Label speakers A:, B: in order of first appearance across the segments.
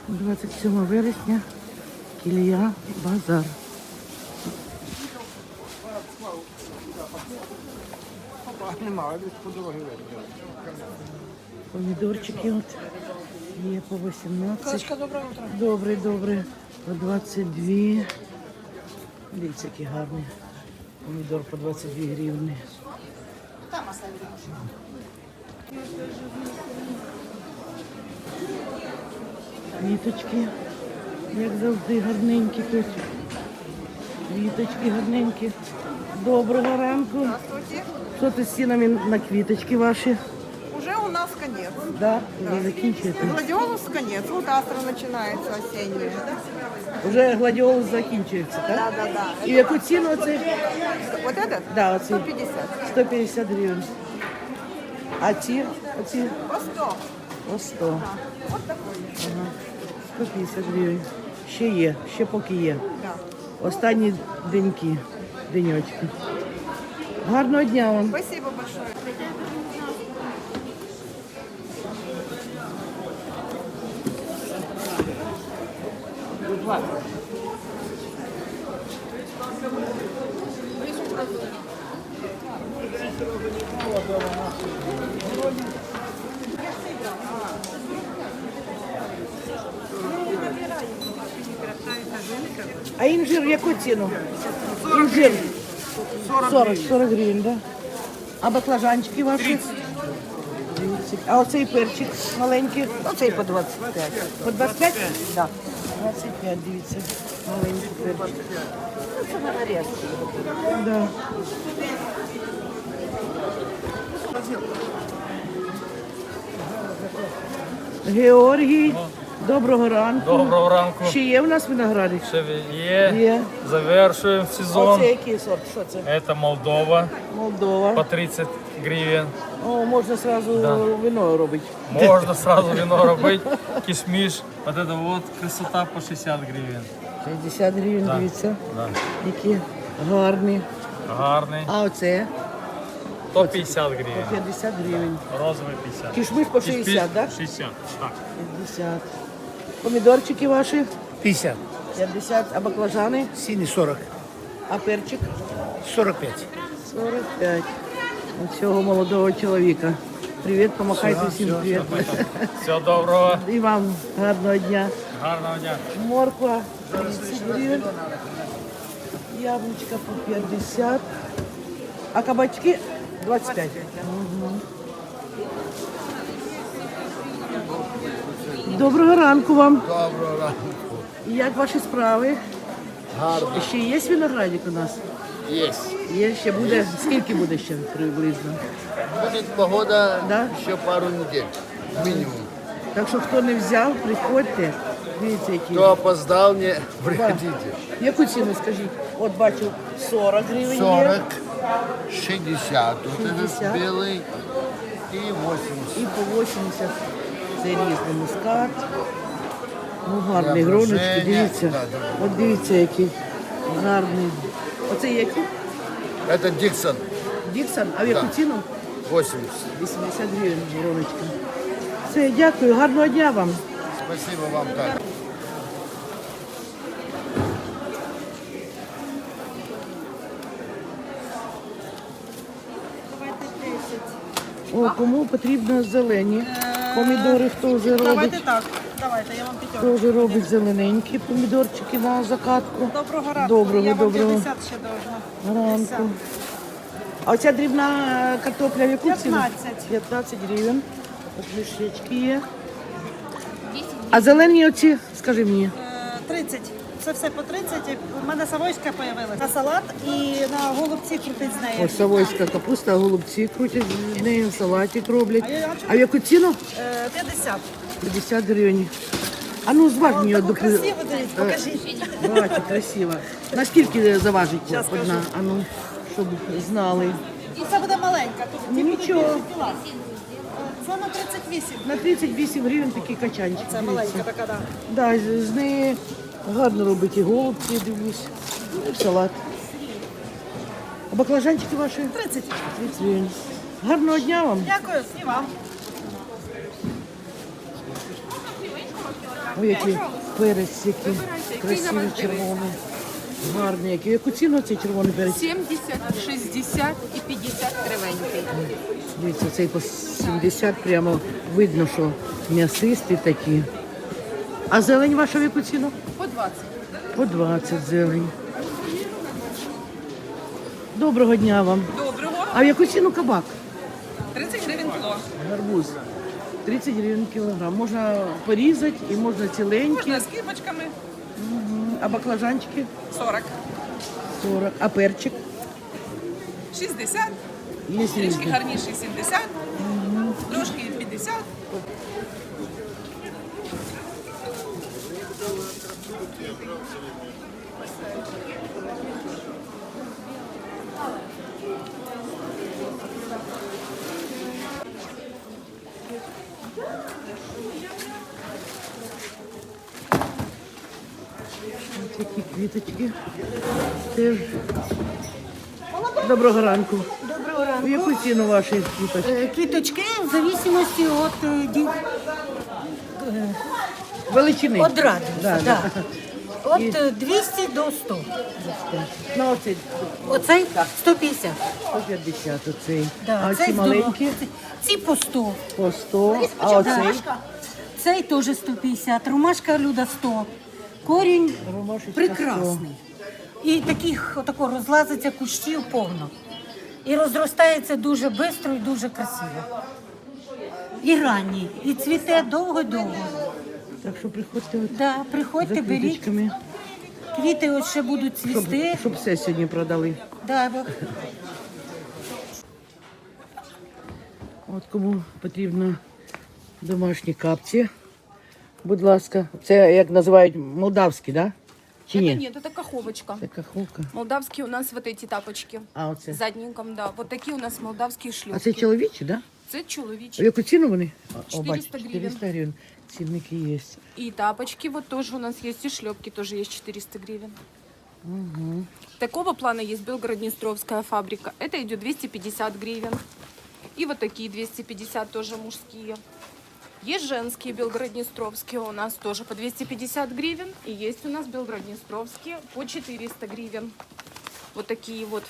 A: 27 вересня, Кілія, базар. Помідорчики от є по 18.
B: Доброе утро.
A: Добре, добре. По 22. Дивіться, які гарні. Помідор по 22 гривні. Квіточки, як завжди, гарненькі тут. Квіточки гарненькі. Доброго ранку.
B: Здравствуйте.
A: Що ти з цінами на квіточки ваші?
B: Уже у нас конец.
A: Да, вже закінчуєте.
B: Гладиолус конец. Вот астра начинается осенняя.
A: Вже гладіолус закінчується, так?
B: Да.
A: І в яку ціну оцей?
B: Вот этот?
A: Да, оцей
B: 150.
A: 150 гривень. А ці? Оці?
B: По 100.
A: По 100.
B: Вот такой.
A: Ага. 150 гривень. Ще є, ще поки є.
B: Да.
A: Останні деньочки. Гарного дня вам.
B: Спасибо большое.
A: А інжир в яку ціну? Інжир 40 гривень, да? А баклажанчики ваші? 30. А оцей перчик маленький?
B: Оцей по 25.
A: По 25? Да. 25, дивіться. Маленький перчик.
B: Це на нарезку.
A: Да. Георгій, доброго ранку.
C: Доброго ранку.
A: Ще є в нас виноградик?
C: Ще є.
A: Є.
C: Завершуємо сезон.
A: Оце який сорт? Що це?
C: Це Молдова
A: Молдова.
C: по 30 гривень.
A: О, можна одразу вино робити.
C: Можна сразу вино робити, кишміш. Вот это вот красота по 60 гривень.
A: 60 гривень,
C: Да.
A: дивіться.
C: Да.
A: Які гарні.
C: Гарний.
A: А оце?
C: То 50 гривень.
A: 50 гривень.
C: Розовий 50.
A: Кишмиш по 60, так?
C: 60, так.
A: 50. Помідорчики ваші?
D: 50.
A: 50. А баклажани?
D: Синий 40.
A: А перчик?
D: 45.
A: 45. У цього молодого чоловіка. Привіт, помахайте всім привіт.
C: Всього доброго.
A: І вам гарного дня.
C: Гарного дня.
A: Морква 30 гривень. Яблучка по 50. А кабачки 25. Угу. Доброго ранку вам.
D: Доброго ранку.
A: Як ваші справи?
D: Гарно.
A: Ще є виноградик у нас?
D: Є.
A: Є, ще буде. Скільки буде ще приблизно?
D: Будет погода
A: Да?
D: еще пару недель. Минимум.
A: Так що хто не взяв, приходьте. Дивіться, які.
D: Кто опоздал, не приходите.
A: Яку ціну скажіть? От бачу 40 гривень
D: 40,
A: є.
D: 60. Вот
A: 60.
D: этот белый и 80.
A: І по 80. Це різний мускат. Ну, гарний,
D: Для
A: гроночки,
D: броження.
A: дивіться.
D: Да, да.
A: От дивіться, який гарний. Оце які?
D: Это Диксон.
A: Діксон, а в яку
D: Да.
A: ціну?
D: 80.
A: 80 гривень гроночка. Все, дякую, гарного дня вам.
D: Спасибо вам так.
A: О, кому потрібно зелені помідори, хто вже робить?
B: Давайте так. Давайте, я вам п'ятерку.
A: Хто вже робить зелененькі помідорчики на закатку?
B: Доброго ранку.
A: Доброго,
B: я вам
A: доброго
B: 50 ще должна.
A: ранку. А оця дрібна картопля в яку ціну?
B: 15.
A: 15 гривень. От мішечки є. А зелені оці, скажи мені.
B: 30. Це все по 30. У мене савойська з'явилася. На салат і на голубці крутить з нею.
A: Ось савойська капуста, голубці крутять з нею, салатик роблять. А в яку ціну?
B: 50.
A: 50 гривень. А ну зваж мені
B: Таку
A: одну.
B: красиву, дивіться, покажіть.
A: Бачу, красиво. Наскільки заважить
B: Щас
A: одна?
B: скажу.
A: А ну, щоб знали.
B: І це буде маленька. Тут
A: Ну,
B: ті
A: нічого.
B: будуть більше кіла. Це на 38.
A: На 38 гривень такий качанчик.
B: Це маленька така, так.
A: Да, з неї гарно робить і голубці, дивлюсь. Ну, і салат. А баклажанчики ваші?
B: 30.
A: 30 гривень. Гарного дня вам.
B: Дякую. І вам.
A: Ой, який перець, який красивий, червоний. Гарний, який. Яку ціну цей червоний перець?
E: 70, 60 і 50 кривенький.
A: Дивіться, цей по 70 прямо видно, що м'ясисті такі. А зелень ваша в яку ціну?
E: По 20.
A: По 20 зелень. Доброго дня вам.
E: Доброго.
A: А в яку ціну кабак?
E: 30 гривень кіло.
A: Гарбуз. 30 гривень кілограм. Можна порізати і можна ціленькі.
E: Можна з кипочками.
A: А баклажанчики?
E: 40.
A: 40. А перчик?
E: 60.
A: Є
E: Трішки
A: різні.
E: гарніший 70. Трошки 50.
A: Такі квіточки. Теж. Доброго ранку.
B: Доброго
A: У
B: ранку.
A: яку ціну ваші квіточки?
B: Квіточки в зависимості
A: Величини.
B: від радості.
A: Да,
B: Да.
A: да.
B: Від 200 до 100.
A: Ну, оцей
B: Оцей 150.
A: 150 оцей.
B: Да,
A: А
B: цей
A: ці маленькі
B: здорово. Ці по 100.
A: по 100, а оцей
B: Цей теж 150. Ромашка Люда 100. Корінь
A: ромашечка
B: прекрасний. І таких отако розлазиться кущів повно. І розростається дуже швидко і дуже красиво. І ранній, і цвіте довго-довго.
A: 100. Так що приходьте от
B: Да,
A: за
B: приходьте, беріть.
A: квіточками,
B: Квіти от ще будуть цвісти.
A: щоб все сьогодні продали.
B: Да,
A: От кому потрібно домашні капці, будь ласка. Це як називають молдавські, да? Чи
E: Это
A: ні?
E: нет, это каховочка.
A: Це каховка.
E: Молдавские у нас вот эти тапочки.
A: А оце?
E: Задником, да. Вот такие у нас молдавские
A: А
E: шлюпки.
A: це чоловічі, да?
E: Це
A: В
E: чоловічі.
A: яку ціну вони?
E: 400 гривень.
A: 400 гривень. Цінники є.
E: И тапочки вот тоже у нас есть, и шлепки тоже есть 400 гривен. Такого плана есть Белгород-Днестровская фабрика. Это идет 250 гривен. И вот такие 250 тоже мужские. Есть женские Белгород-Днестровские у нас тоже по 250 гривен. И есть у нас Белгород-Днестровские по 400 гривен. Вот такие вот.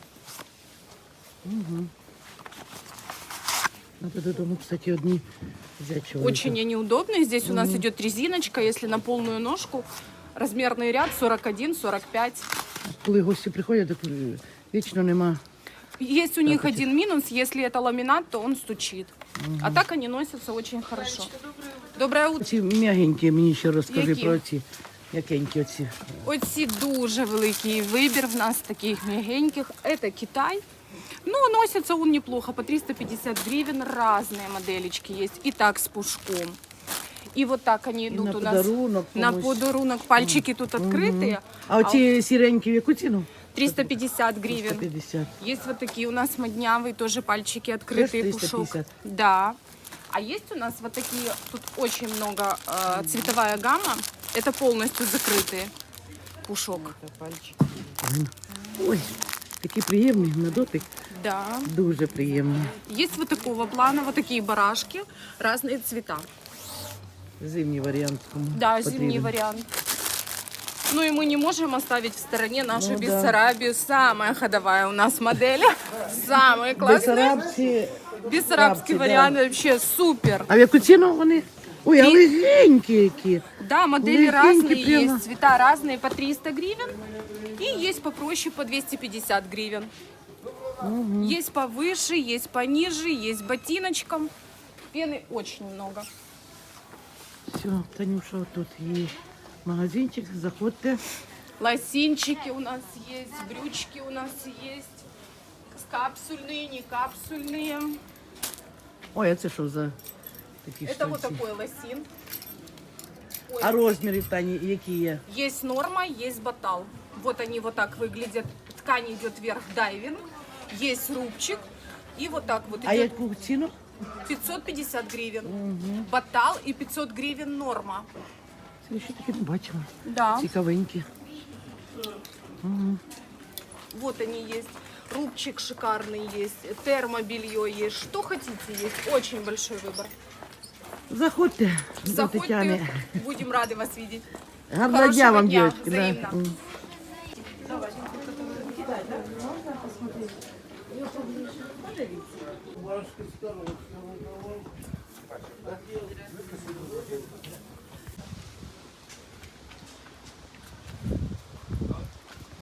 A: Надо додому, кстати, одні взяти чоловіка.
E: Очень они удобные. Здесь у нас идет резиночка, если на полную ножку. Размерный ряд 41-45.
A: Коли гості приходять, так вічно нема.
E: Есть у них один минус, если это ламинат, то он стучит. А так они носятся очень хорошо. Доброе утро.
A: Ці м'ягенькі, мені ще розкажи
E: Які?
A: про ці. М'якенькі оці.
E: Оці дуже великий вибір в нас таких мягеньких. Это Китай. Ну, носится он неплохо, по 350 гривен. Разные моделечки есть. И так с пушком. И вот так они идут
A: на
E: у нас
A: подарунок
E: на
A: комусь.
E: подарунок. Пальчики тут открытые.
A: А оці сіренькі в яку ціну?
E: 350 гривен.
A: 150.
E: Есть вот такие у нас моднявые, тоже пальчики открытые,
A: Тоже
E: пушок.
A: 350?
E: Да. А есть у нас вот такие, тут очень много цветовая гамма. Это полностью закрытые пушок.
A: Ой, такі приємні на дотик.
E: Да.
A: Дуже приємні.
E: Есть вот такого плана, вот такие барашки, разные цвета.
A: Зимній варіант. кому
E: Да,
A: потрібен.
E: зимний вариант. Ну и мы не можем оставить в стороне нашу
A: Ну да.
E: Бессарабию. Самая ходовая у нас модель. Самые классные.
A: Бессарабці.
E: Бессарабский
A: да.
E: вариант вообще супер.
A: А в яку ціну вони? Ой, а легенькі які.
E: Да, модели
A: Легенькие
E: разные
A: прямо.
E: есть, цвета разные по 300 гривен. И есть попроще по 250 гривен. Есть повыше, есть пониже, есть ботиночком. Пены очень много.
A: Все, Танюша, тут є магазинчик, заходьте.
E: Лосинчики у нас есть, брючки у нас есть. Капсульные, не капсульные.
A: Ой, а це що за такі
E: Это вот
A: штуці?
E: такой лосин. Ой,
A: А розміри, Тані, які є?
E: есть норма, есть батал. Вот они вот так выглядят. Ткань идет вверх дайвинг. Есть рубчик. И вот так вот
A: А
E: идет
A: яку ціну?
E: 550 гривен. Батал и 500 гривен норма.
A: Це я ще таки не бачила.
E: Да.
A: Цікавенькі.
E: Вот они есть. Рубчик шикарный есть. Термобелье есть. Что хотите есть. Очень большой выбор.
A: Заходьте до Тетяни.
E: Заходьте, будем рады вас видеть.
A: Гарного
E: Хорошего
A: дня вам,
E: дня,
A: девочки. Да.
E: взаимно.